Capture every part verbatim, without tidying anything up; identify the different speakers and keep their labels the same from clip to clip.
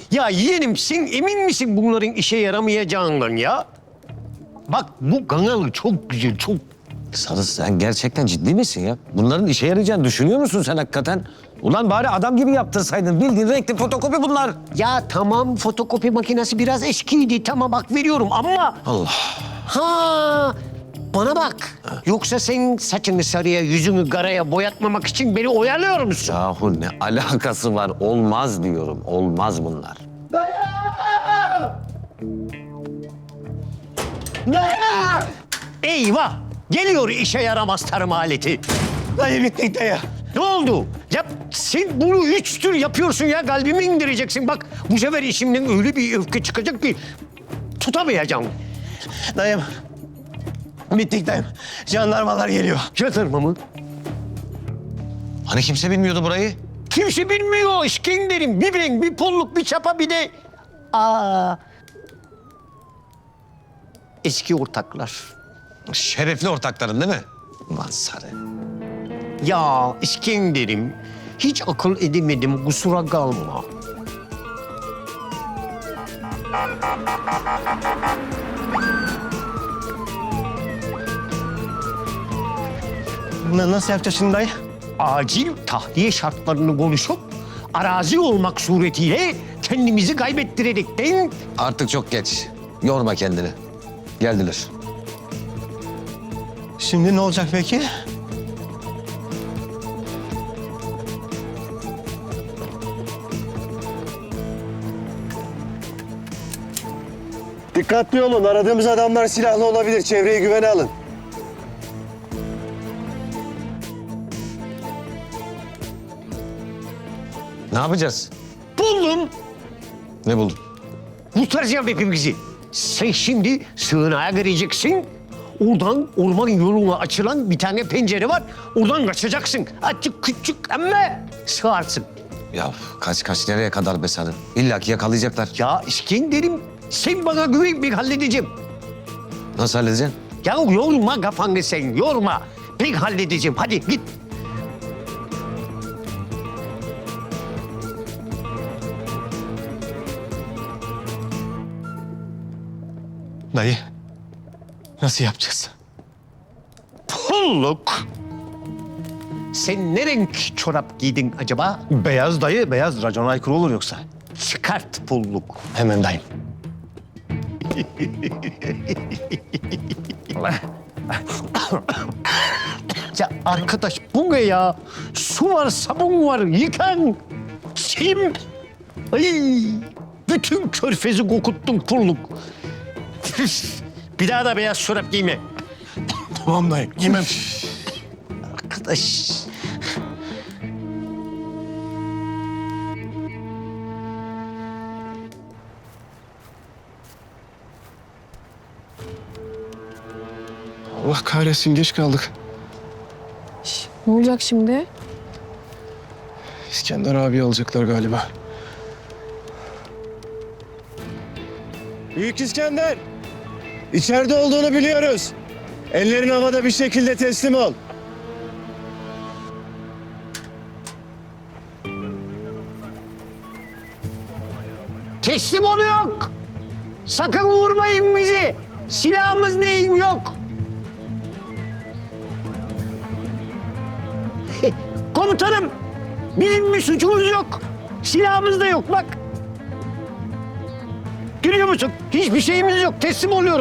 Speaker 1: Ya yeğenim sen emin misin bunların işe yaramayacağından ya? Bak bu kanalı çok güzel, çok...
Speaker 2: Sarı sen gerçekten ciddi misin ya? Bunların işe yarayacağını düşünüyor musun sen hakikaten? Ulan bari adam gibi yaptırsaydın. Bildiğin renkli fotokopi bunlar.
Speaker 1: Ya tamam fotokopi makinesi biraz eskiydi. Tamam bak veriyorum ama...
Speaker 2: Allah.
Speaker 1: Ha, bana bak. Yoksa sen saçını sarıya, yüzünü karaya boyatmamak için beni oyalıyor musun?
Speaker 2: Yahu ne alakası var? Olmaz diyorum. Olmaz bunlar.
Speaker 1: Eyvah! Geliyor işe yaramaz tarım aleti.
Speaker 3: Dayı bittik dayı.
Speaker 1: Ne oldu? Ya sen bunu üç tür yapıyorsun ya. Kalbimi indireceksin. Bak bu sefer işimden öyle bir öfke çıkacak ki tutamayacağım.
Speaker 3: Dayım. Bittik dayım. Jandarmalar geliyor.
Speaker 1: Yatırma mı?
Speaker 2: Hani kimse bilmiyordu burayı?
Speaker 1: Kimse bilmiyor. İskender'im. Bir ben, bir polluk, bir çapa, bir de... Aa, eski ortaklar.
Speaker 2: Şerefli ortakların değil mi? Ulan Sarı.
Speaker 1: Ya İskender'im. Hiç akıl edemedim. Kusura kalma.
Speaker 3: Na- Nasıl yapacağız şimdi dayı?
Speaker 1: Acil tahliye şartlarını konuşup arazi olmak suretiyle kendimizi kaybettirerekten
Speaker 2: Artık çok geç. Yorma kendini. Geldiler.
Speaker 3: Şimdi ne olacak peki?
Speaker 4: Dikkatli olun. Aradığımız adamlar silahlı olabilir. Çevreyi güvene alın.
Speaker 2: Ne yapacağız?
Speaker 1: buldum.
Speaker 2: Ne buldun?
Speaker 1: Kurtaracağım hepimizi. Sen şimdi sığınağa gireceksin. Oradan orman yoluna açılan bir tane pencere var. Oradan kaçacaksın. Azıcık küçük ama sığarsın.
Speaker 2: Ya kaç kaç nereye kadar be Sarı? İlla ki yakalayacaklar.
Speaker 1: Ya İskender'im sen bana güven, ben halledeceğim.
Speaker 2: Nasıl halledeceksin?
Speaker 1: Ya yorma kafanı sen, yorma. Ben halledeceğim. Hadi git.
Speaker 3: Dayı. Nasıl yapacağız?
Speaker 1: Pulluk. Sen ne renk çorap giydin acaba?
Speaker 3: Beyaz dayı. Beyaz. Racona aykırı olur yoksa.
Speaker 1: Çıkart pulluk.
Speaker 3: Hemen dayım.
Speaker 1: Ya arkadaş bu ne ya? Su var, sabun var, yıkan. Kim? Ay, bütün körfezi kokuttun pulluk. Bir daha da beyaz çorap giyme.
Speaker 3: Tamam dayım. Giymem.
Speaker 1: Arkadaş.
Speaker 3: Allah kahretsin. Geç kaldık.
Speaker 5: Ne olacak şimdi?
Speaker 3: İskender abi alacaklar galiba.
Speaker 4: Büyük İskender. İçeride olduğunu biliyoruz. Ellerin havada bir şekilde teslim ol.
Speaker 1: Teslim ol yok. Sakın vurmayın bizi. Silahımız neyim yok. Komutanım, bizim bir suçumuz yok. Silahımız da yok bak. Görüyor musun? Hiçbir şeyimiz yok. Teslim oluyoruz.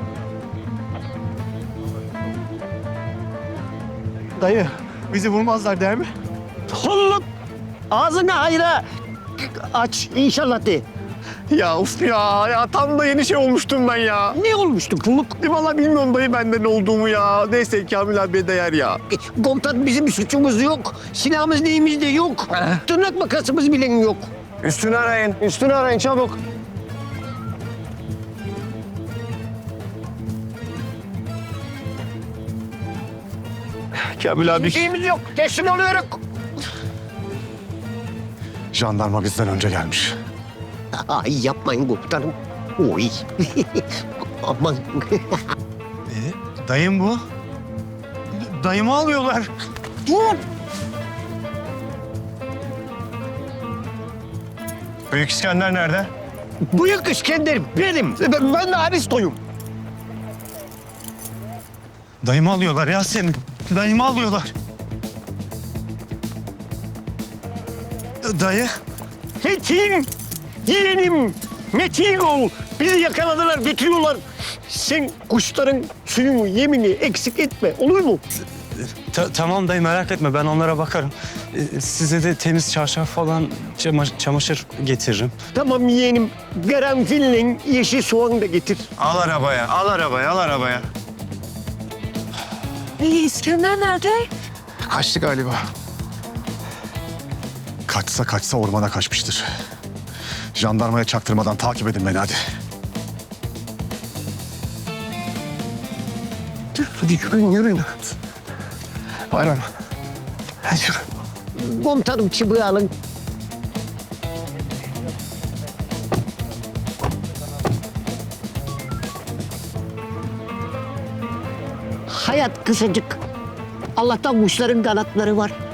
Speaker 3: Dayı. Bizi vurmazlar der mi?
Speaker 1: Oğlum, ağzını hayra aç inşallah de.
Speaker 3: Ya uf ya. Ya tam da yeni şey olmuştum ben ya.
Speaker 1: Ne olmuştu pulluk?
Speaker 3: E vallahi bilmiyorum dayı benden ne olduğumu ya. Neyse Kamil abiye değer ya.
Speaker 1: E, Komutan bizim bir suçumuz yok. Silahımız neyimiz de yok. Tırnak makasımız bile yok.
Speaker 4: Üstünü arayın. Üstünü arayın çabuk.
Speaker 3: Kamil abi.
Speaker 1: Bir şeyimiz yok. Teslim oluyoruz.
Speaker 3: Jandarma bizden önce gelmiş.
Speaker 1: Ay yapmayın komutanım. Oy. Aman.
Speaker 3: Dayım bu. Dayımı alıyorlar.
Speaker 1: Dur.
Speaker 4: Büyük İskender nerede?
Speaker 1: Büyük İskender benim. Ben, ben de Aristo'yum.
Speaker 4: Dayımı alıyorlar ya senin. Dayımı alıyorlar. Dayı.
Speaker 1: Metin, yeğenim, Metin ol. Bizi yakaladılar, götürüyorlar. Sen kuşların suyunu, yemini eksik etme, olur mu?
Speaker 6: Ta- tamam dayı merak etme ben onlara bakarım. Ee, size de temiz çarşaf falan çama- çamaşır getiririm.
Speaker 1: Tamam yeğenim, karanfille yeşil soğan da getir.
Speaker 4: Al arabaya, al arabaya, al arabaya.
Speaker 5: İyi İskender nerede?
Speaker 3: Kaçtı galiba. Kaçsa kaçsa ormana kaçmıştır. Jandarmaya çaktırmadan takip edin beni hadi.
Speaker 1: Hadi yürüyün, yürüyün.
Speaker 3: Bayram. Hadi yürü.
Speaker 1: Komutanım çıbığı alın. Hayat kısacık. Allah'tan kuşların kanatları var.